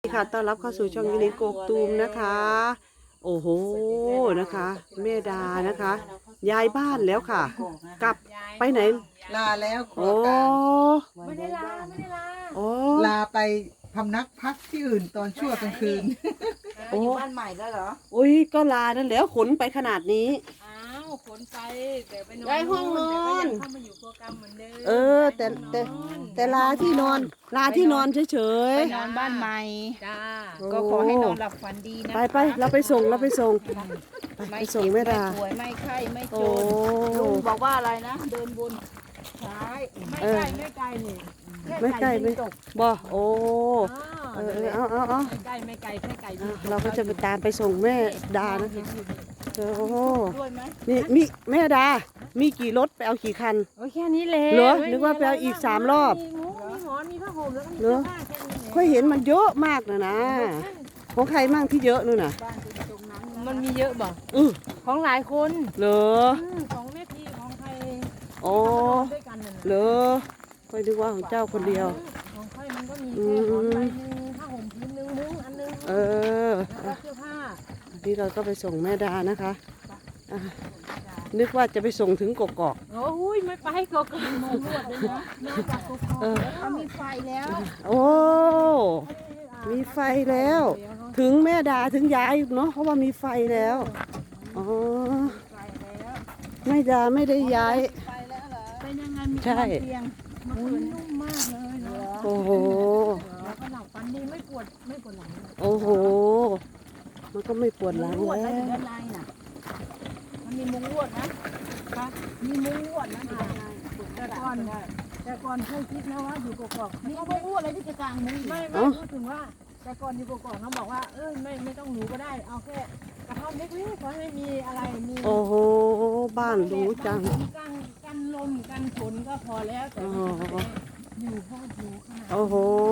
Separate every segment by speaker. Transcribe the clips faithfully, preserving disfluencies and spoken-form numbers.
Speaker 1: ค่ะต้อนรับเข้าสู่ช่องยินิกกตูมนะคะ โอ้โหนะคะ แม่ดานะคะย้ายบ้านแล้วค่ะ กลับไปไหน
Speaker 2: ลาแล้วขอ
Speaker 1: โอ้
Speaker 2: การ
Speaker 3: ไม่ได้ลาไม่ได้ลา
Speaker 1: โอ้
Speaker 2: ลาไปพำนักพักที่อื่นตอนชั่วกลางคืน
Speaker 1: โอ้
Speaker 3: อยู่บ้านใหม่แล้วเหรอ
Speaker 1: อุ้ยก็ลานั่นแล้วขนไปขนาดนี้
Speaker 3: อ้าวขนไปเดี๋ยวไปนอน
Speaker 1: ย้ายห้องนอน
Speaker 3: แต่ก็ยังเข้ามาอยู่โปรแกรมเหมือนเดิม
Speaker 1: เออแต่แต่แต่ลาที่นอน ลาที่นอนเฉย
Speaker 4: ไปนอนบ้านใหม่
Speaker 3: จ้า
Speaker 1: ๆ
Speaker 4: ก็ขอให้นอนหลับฝันดีนะ
Speaker 1: ไปไปเราไปส่งเราไปส่งไป
Speaker 4: ไม่
Speaker 1: ไปส่งแม่ดา
Speaker 4: ป่วยไม่ไข้ไม่จ
Speaker 1: โอ้
Speaker 4: นลุงบอกว่าอะไรนะ เดินบนซ้าย
Speaker 3: ไม่
Speaker 1: เออ
Speaker 3: ไกลไม่ไกลนี่
Speaker 1: ไม่ใกล้ไม่
Speaker 3: ตก
Speaker 1: บ่โอ้
Speaker 3: เอ
Speaker 1: เอ
Speaker 3: อ
Speaker 1: อเออเอาเอาเอา
Speaker 3: ไม่ไกลไม่ไกลแค่ไกล
Speaker 1: อ่ะเราก็จะไปตามไปส่งแม่ดานะคะโอ้โห
Speaker 4: ด้วยไหม
Speaker 1: มีมีแม่ดา มีกี่รถไปเอากี่คัน
Speaker 3: โอ้ยแค่นี้เลย
Speaker 1: เหรอนึกว่าไปเอาอีกสามรอบ
Speaker 3: มีหมูมีหมอนมีผ้าห่มแล้วก็มี
Speaker 1: เหร
Speaker 3: เสื้
Speaker 1: อ
Speaker 3: อผ้าแค่นี้
Speaker 1: ค่อยเห็นมันเยอะมากนะนะ ของใครมั่งที่เยอะนู่นน่ะ
Speaker 4: บ้านคุณตรงนั้นนะ
Speaker 3: มันมีเยอะบ่
Speaker 1: อือ
Speaker 3: ของหลายคน
Speaker 1: เหรอ
Speaker 3: อืมของแม่พีของใคร
Speaker 1: โอ้
Speaker 3: ที่เขาไปนอนด้วยกันน่ะนะ
Speaker 1: เหรอค่อยนึกว่าของเจ้าคนเดียว
Speaker 3: ของค่อยมันก็มี
Speaker 1: อื
Speaker 3: แค่
Speaker 1: ม
Speaker 3: หมอนใบหนึ่งผ้าห่มพื้นหนึ่งมุ้งอันหนึง
Speaker 1: เออ
Speaker 3: แล้วก็เสื้อผ้า
Speaker 1: นี่เราก็ไปส่งแม่ดานะคะอ่ะนึกว่าจะไปส่งถึงกกอก
Speaker 3: โอ้ยไม่ไปก็ก็มีมุ้งลวดเลยนะนอกจากกกอก
Speaker 1: เออ
Speaker 4: เขามีไฟแล้ว
Speaker 1: โอ้ มีไฟแล้ว ถึงแม่ดาถึงยายเนาะเพราะว่ามีไฟแล้ว อ๋อ
Speaker 4: ไฟแล้ว
Speaker 1: แม่ดาไม่ได้ย้าย
Speaker 4: ไฟแล้วเหรอ
Speaker 3: เป็นยังไงมี
Speaker 1: ใช่
Speaker 3: เตียงมันคืนนุ่มมากเลยเนาะ
Speaker 1: โอ้โห
Speaker 3: แล้วก็หลับฝันดีไม่ปวดไม่ปวดหลังเลย
Speaker 1: โอ้โห มันก็ไม่ปวดหลัง
Speaker 4: ลวด
Speaker 1: แล้
Speaker 4: แล้วอยู่
Speaker 1: ว
Speaker 4: ด้านในน่ะ มันมีมุ้งลวดนะ
Speaker 3: ค่ะ
Speaker 4: มีมุ้งลวดนะอยู่ด้านใน
Speaker 3: แต่ก่อนแต่ก่อนเคยคิดนะว่าอยู่กกอก
Speaker 4: มีมุ้งลวดอะไรที่จะกลางมุ้งอยู่
Speaker 3: ไม่ไม่พูดถึงว่าแต่ก่อนอยู่กกอกเขาบอกว่าเออไม่ไม่ต้องหนูก็ได้เอาแค่กระท่อมเล็กๆขอให้มีอะไรมี
Speaker 1: โอ้โห บ้านหรูจัง
Speaker 3: กันกันลมกันฝนก็พอแล้วแต่
Speaker 1: โอ้
Speaker 3: ว่า
Speaker 1: โห
Speaker 3: อยู่ห้องอยู่ขนาด
Speaker 1: โอ้โห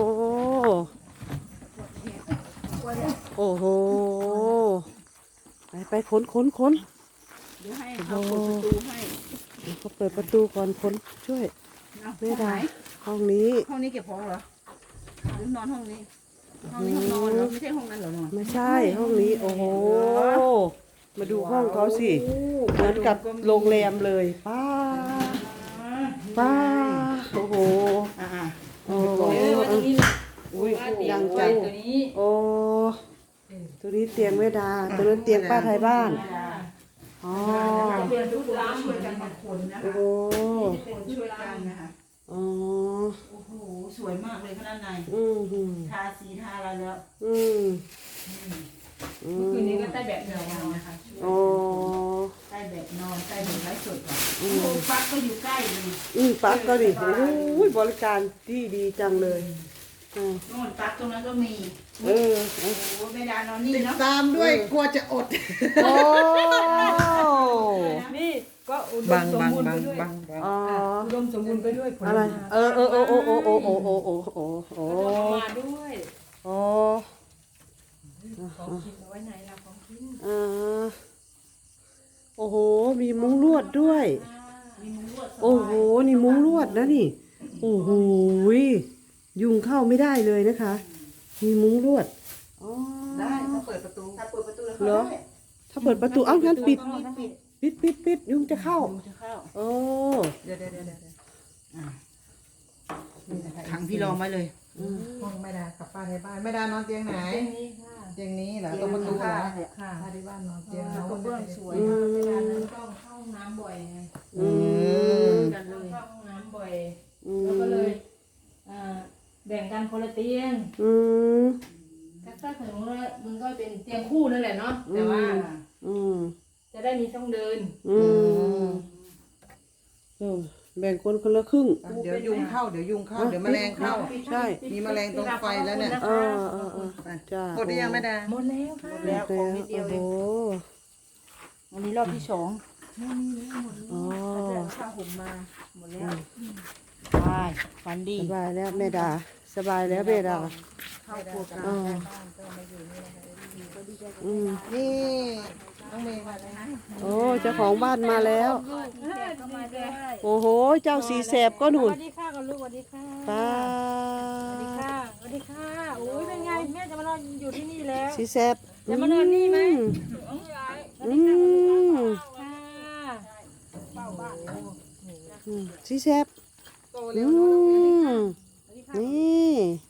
Speaker 1: โอ้โห ไปไปขนขนขน
Speaker 4: เดี๋ยวให้เขาเปิดประตูให้
Speaker 1: เขาเปิดประตูก่อนขนช่วย
Speaker 4: เอา
Speaker 1: แม่
Speaker 4: ห้องไห
Speaker 1: ดาน ห้องนี้
Speaker 4: ห้องนี้เก็บของเหรอหรือนอนห้องนี้ ห้องนี้ห้องนอนเหรอไม่ใช่ห้องนั้นเหรอนอน
Speaker 1: ไม่ใช่ห้องนี้ โอ้โห มาดูห้องเขาสิ เหมือนกับโรงแรมเลยป้าป้าโอ้โห
Speaker 4: อ่า
Speaker 1: โอ้โหอุ้ยยังจังโอ้ตัวนี้เตียงแม่ดา ตัวนั้นเตียงป้าไทยบ้าน อ๋อ
Speaker 4: เรียนทุกร้านช่วยกันบางคนนะ
Speaker 1: โอ้
Speaker 4: คะ
Speaker 1: โห
Speaker 4: คนช่วยกันนะคะ
Speaker 1: อ๋อ
Speaker 4: โอ้โหสวยมากเลยข้างใน
Speaker 1: อืมอืม
Speaker 4: ทาสีทาอะไรแล้ว
Speaker 1: อืมอืม
Speaker 3: คืนนี้ก็ได้แบบเดียวกันนะคะ
Speaker 1: โอ้
Speaker 4: ใต้แบบนอนใต้แบบไร้สดก่อนโอ้โหฟักก็อยู่ใกล้เลย
Speaker 1: อืมปักก็ดิโอ้ยบริการที่ดีจังเลยอ่า
Speaker 4: โน่นฟักตรงนั้นก็มี
Speaker 1: เออเออ
Speaker 4: โอ้โหไม่ดานอนนี่
Speaker 2: ติด
Speaker 4: เนาะ
Speaker 2: ตามด้วยกลัวจะอด
Speaker 1: โอ้
Speaker 3: นี่ก็อุด
Speaker 2: บั
Speaker 3: ม
Speaker 2: ง
Speaker 3: สม
Speaker 2: บัง
Speaker 3: บูรณ์
Speaker 2: บั
Speaker 3: ไป
Speaker 2: ง
Speaker 3: ด้วย
Speaker 2: บังบัง
Speaker 1: อ๋อ
Speaker 3: อุดมสมบูรณ์ไปด้วยผล
Speaker 1: อะไร
Speaker 3: ไม้
Speaker 1: เออเออเออโอ้โอ้โอ้โอ้โอ้โอ้โอ้โอ้
Speaker 3: แล้วก็เอามาด้วย
Speaker 1: โอ้
Speaker 3: ของกินเอาไว้ไหนล่ะของกิน
Speaker 1: อ่าโอ้โห มีมุ้งลวดด้วย
Speaker 4: มีมุ้งลวด
Speaker 1: โอ้โห นี่มุ้งลวดนะนี่ โอ้โหยุงเข้าไม่ได้เลยนะคะ มีมุ้งลวดอ๋อ
Speaker 2: ได้ถ้าเปิดประตู
Speaker 4: ถ้าเปิดประตูแล้ว
Speaker 1: เหรอ
Speaker 4: ได้
Speaker 1: ถ้าเปิดประตูเอ้างั้นปิด
Speaker 4: ปิด
Speaker 1: ปิดปิดปิดยุงจะเข้า
Speaker 4: จะเข้า
Speaker 1: โอ้
Speaker 2: เดี๋ยวเดี๋ยวเดี๋ยวเดี๋ยว
Speaker 4: ขังพี่รองไว้เลย
Speaker 2: ห้องแม่ดากับป้าในบ้านแม่ดานอนเตียงไหน
Speaker 3: เตียงนี้ค่ะ
Speaker 2: เตียงนี้เหรอตรงประตูเหรอ
Speaker 3: ค่ะ
Speaker 2: ป้าที่บ้านนอนเตียง
Speaker 3: แล้ว
Speaker 2: เขา
Speaker 3: ก็เบื้องสวย
Speaker 1: อื
Speaker 3: นะเวลานั้น
Speaker 1: ม
Speaker 3: ต้องเข้าห้องน้ำบ่อยไง
Speaker 1: อืม
Speaker 3: กันเลยเข้าห้องน้ำบ่อย
Speaker 1: อื
Speaker 3: แล้วก็เล
Speaker 1: ม
Speaker 3: ยอ่าแบ่งกันคนละเตียง
Speaker 1: อืม
Speaker 3: ถ้าถึงว่ามันก็เป็นเตียงคู่นั่นแหละเนาะแต่ว่า
Speaker 1: อืม
Speaker 3: จะได้มีช่องเดิน
Speaker 1: อืมเออแบ่งคนคนละครึ่ง
Speaker 2: เดี๋ยวยุงเข้าเดี๋ยวยุงเข้าเดี๋ยวแมลงเข้า
Speaker 1: ใช่
Speaker 2: มีแมลงตรงไฟแล้วเนี่ย
Speaker 1: เออเออเออ
Speaker 2: ไป
Speaker 1: จ้า
Speaker 2: หมดหรือยังแม่ดา
Speaker 3: หมดแล้วค่ะ
Speaker 4: แล้วของนิดเดียวเอง
Speaker 1: โอ้โห
Speaker 4: วันนี้รอบที่สอง
Speaker 1: อ๋อ
Speaker 3: แต่ผ้าห่มมาหมดแล้ว
Speaker 4: ไปฝันดี
Speaker 1: สบายแล้วแม่ดา สบายแล้วแม่ดา
Speaker 3: เข้าครัวกัน
Speaker 1: อ๋ออืม
Speaker 2: นี่น้องเมย์มาเลยนะ
Speaker 1: โอ้เจ้าของบ้านมาแล้ว
Speaker 3: ก็มาด้วย
Speaker 1: โอ้โห เจ้าสีแสบก็ห
Speaker 3: ส
Speaker 1: นุน
Speaker 3: วัสดีค่ะกับลูกสวัสดีค่ะ
Speaker 1: ป้า
Speaker 3: สวัสดีค่ะสวัสดีค่ะโอ้ยเป็นไงแม่จะมานอนอยู่ที่นี่แล้ว
Speaker 1: สีแซ่บ
Speaker 3: จะมานอนนี่ไหม
Speaker 1: อืม
Speaker 3: ค่ะ
Speaker 1: อืมสีแซ่บ
Speaker 2: โต
Speaker 1: อื
Speaker 2: เร็วเนาะน้องเมย์
Speaker 1: มนี่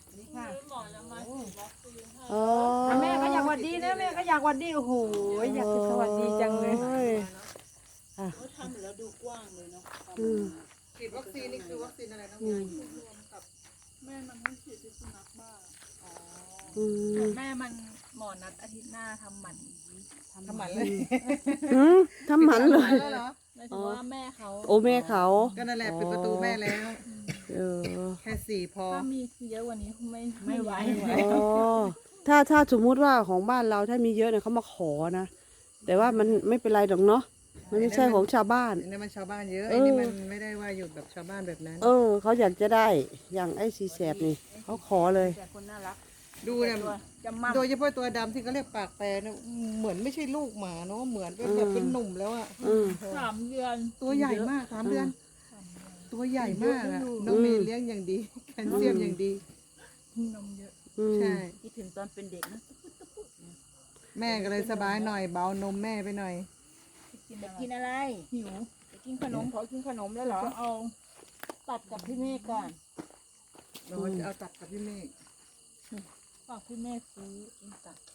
Speaker 1: อ๋อ
Speaker 3: แม่ก็อยากหวัดดีนะแม่ก็อยากหวัดดีโอ้โหอยากจะสวัสดีจังเลย
Speaker 1: โอ้ยอ่ะ
Speaker 4: ทำแล้วดูกว้างเลยเนาะ
Speaker 1: อืม
Speaker 2: ฉีดวัคซีนนี่คือวัคซีนอะไรน้อง
Speaker 1: อื
Speaker 2: เม
Speaker 1: ม
Speaker 2: ย์
Speaker 4: แม่มันไม่ฉีดพิษสุนัขบ้า
Speaker 1: อืม
Speaker 4: แม่มันหมอนัดอาทิตย์หน้าทำหมัน
Speaker 2: ทำหมันเลย
Speaker 1: อืมทำหมันเลย
Speaker 2: แล้วเหรอ
Speaker 4: หมายถึงว่าแม่เขา
Speaker 1: โอแม่เขา
Speaker 2: ก็นั่นแหละปิดประตูแม่แล้ว
Speaker 1: เออ
Speaker 2: แค่สี่พอ
Speaker 4: ถ้ามีเยอะกว่านี้ไม่
Speaker 3: ไม่ไหว
Speaker 1: อ๋อถ้าถ้าสมมุติว่าของบ้านเราถ้ามีเยอะเนี่ยเขามาขอนะ แต่ว่ามันไม่เป็นไรดอกเนาะ มันไม่ใช่ของชาวบ้าน
Speaker 2: อันนี้มันชาวบ้านเยอะ
Speaker 1: เออ
Speaker 2: ไอ้นี่มันไม่ได้ว่าอยู่แบบชาวบ้านแบบนั้น
Speaker 1: เออ เขาอยากจะได้ อย่างไอ้สีแสบนี่ เขาขอเลย
Speaker 4: แต่คนน่ารัก
Speaker 2: ดูเนี่ย
Speaker 4: จะมั่ม
Speaker 2: โดยเฉพาะตัวดำที่เขาเรียกปากแปรเนี่ยเหมือนไม่ใช่ลูกหมาเนาะเหมือนเป็นแบบเป็นหนุ่มแล้วอะ
Speaker 1: อืม
Speaker 4: สามเดือน
Speaker 2: ตัวใหญ่มากสามเดือน ตัวใหญ่มากอะน้องเมย์เลี้ยงอย่างดีแคลเซียมอย่างดี
Speaker 4: นมเยอะ
Speaker 1: อืม
Speaker 2: ใช่
Speaker 4: คิดถึงตอนเป็นเด็กนะ
Speaker 2: แม่ก็เลยสบายหน่อยเบานมแม่ไปหน่อย
Speaker 4: จะกินอะไรหิวจะกินขนมขอกินขนมแล้วเหรอเอาตัดกับพี่เมฆก่อน
Speaker 2: เราจะเอาตัดกับพี่เมฆ
Speaker 4: ฝากพี่เมฆซื้อกินตัด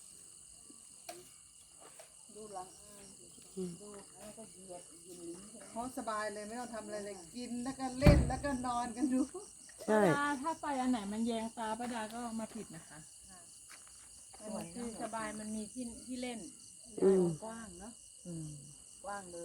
Speaker 4: ดูหลังอ่านดูแล้วก็เหยียดยินลิ้น
Speaker 2: เขาสบายเลยไม่ต้องทำอะไรเลยกินแล้วก็เล่นแล้วก็นอนกันดู
Speaker 1: ใช่
Speaker 4: ป้าดาถ้าไปอันไหนมันแยงตาป้าดาก็มาผิดนะคะมันคือสบายมันมีที่ที่เล่น
Speaker 1: อืม
Speaker 4: กว้างเนาะกว้างเลย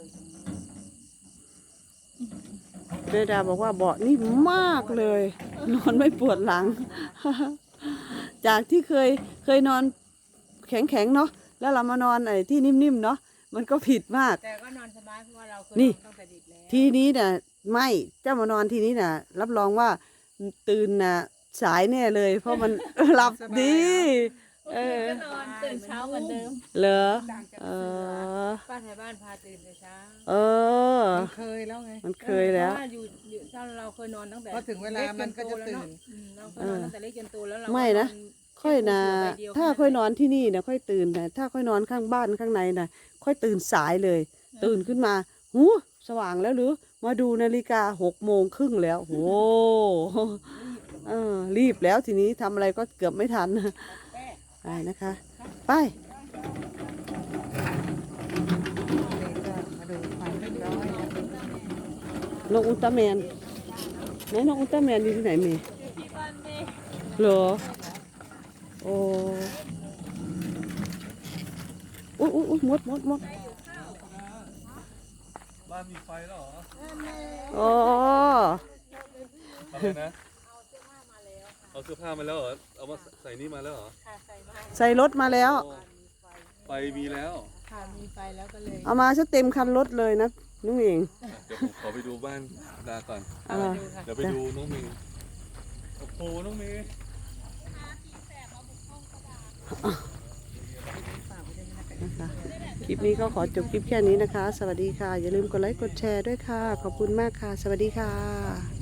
Speaker 1: เรดาบอกว่าเบาะนี่มากเลย นอนไม่ปวดหลัง จากที่เคยเคยนอนแข็งๆเนาะ แล้วเรามานอนไอ้ที่นิ่มๆเนาะ มันก็ผิดมาก
Speaker 4: แต่ก็นอนสบายเพราะว่าเราเคย
Speaker 1: นี่
Speaker 4: นอนตั้งแต่เด็กแล้ว
Speaker 1: ทีนี้น่ะไม่เจ้ามานอนที่นี้น่ะ รับรองว่าตื่นน่ะสายแน่เลย เพราะมัน หลับดี เออ
Speaker 4: ก็นอนตื่นเช้าเหมือนเดิม
Speaker 1: เหรอ
Speaker 4: ต่างจาก
Speaker 1: เอ
Speaker 4: เสือ
Speaker 1: อ
Speaker 4: ป้าไทยบ้านพาตื่นแต่เช้า
Speaker 1: เออ
Speaker 2: มันเคยแล้วไง
Speaker 1: มันเคยแล้ว
Speaker 4: พราะาอยู่อยู่ถ้าเราเคยนอนตั้งแต่
Speaker 2: พอถึงเวลามันก็จะตื่น
Speaker 4: เล็จโตแล้วเอะอืมเราเคยนอนตั้งแต่เล็กจนโตแล้วเรา
Speaker 1: ไม่นะ
Speaker 4: ก็
Speaker 1: ค่อยนะ
Speaker 4: แค่ปูเสือใบเดียว
Speaker 1: ถ้าค่อยนอนที่นี่นะค่อยตื่นนะถ้าค่อยนอนข้างบ้านข้างในนะค่อยตื่นสายเลย ตื่นขึ้นมาหูสว่างแล้วหรือ มาดูนาฬิกาหกโมงครึ่งแล้วโหเออรีบแล้วทีนี้ทำอะไรก็เกือบไม่ทันไปนะคะ ไป
Speaker 2: มาดูความเรียบร้อยนะ
Speaker 1: นกอุลตร้าแมนไหนนกอุลตร้าแมนอยู่ที่ไหนเมย์เหรอโอ้อุ๊ยอุ๊ยอุ๊ยมดมดมด
Speaker 5: บ้านมีไฟแล้วเหรอ
Speaker 1: อ๋อ
Speaker 5: อะไรนะ เอาเสื้อผ้ามาแล้วเหรอ เอามาใส่นี่มาแล้วเหรอ
Speaker 4: ค่ะใส่มา
Speaker 1: ใส่รถมาแล้ว
Speaker 5: โอ้ไฟมีแล้ว
Speaker 4: ค่ะมีไฟแล้วก็เลย
Speaker 1: เอามาซะเต็มคันรถเลยนะนุ่งเอง
Speaker 5: เดี๋ยวผมขอไปดูบ้านดาก่อน
Speaker 1: อ่า
Speaker 5: เดี๋ยวไปดูน้องเมย์โอ้โห น้องเมย์
Speaker 1: นะคะคลิปนี้ก็ขอจบคลิปแค่นี้นะคะ สวัสดีค่ะ อย่าลืมกดไลค์กดแชร์ด้วยค่ะ ขอบคุณมากค่ะ สวัสดีค่ะ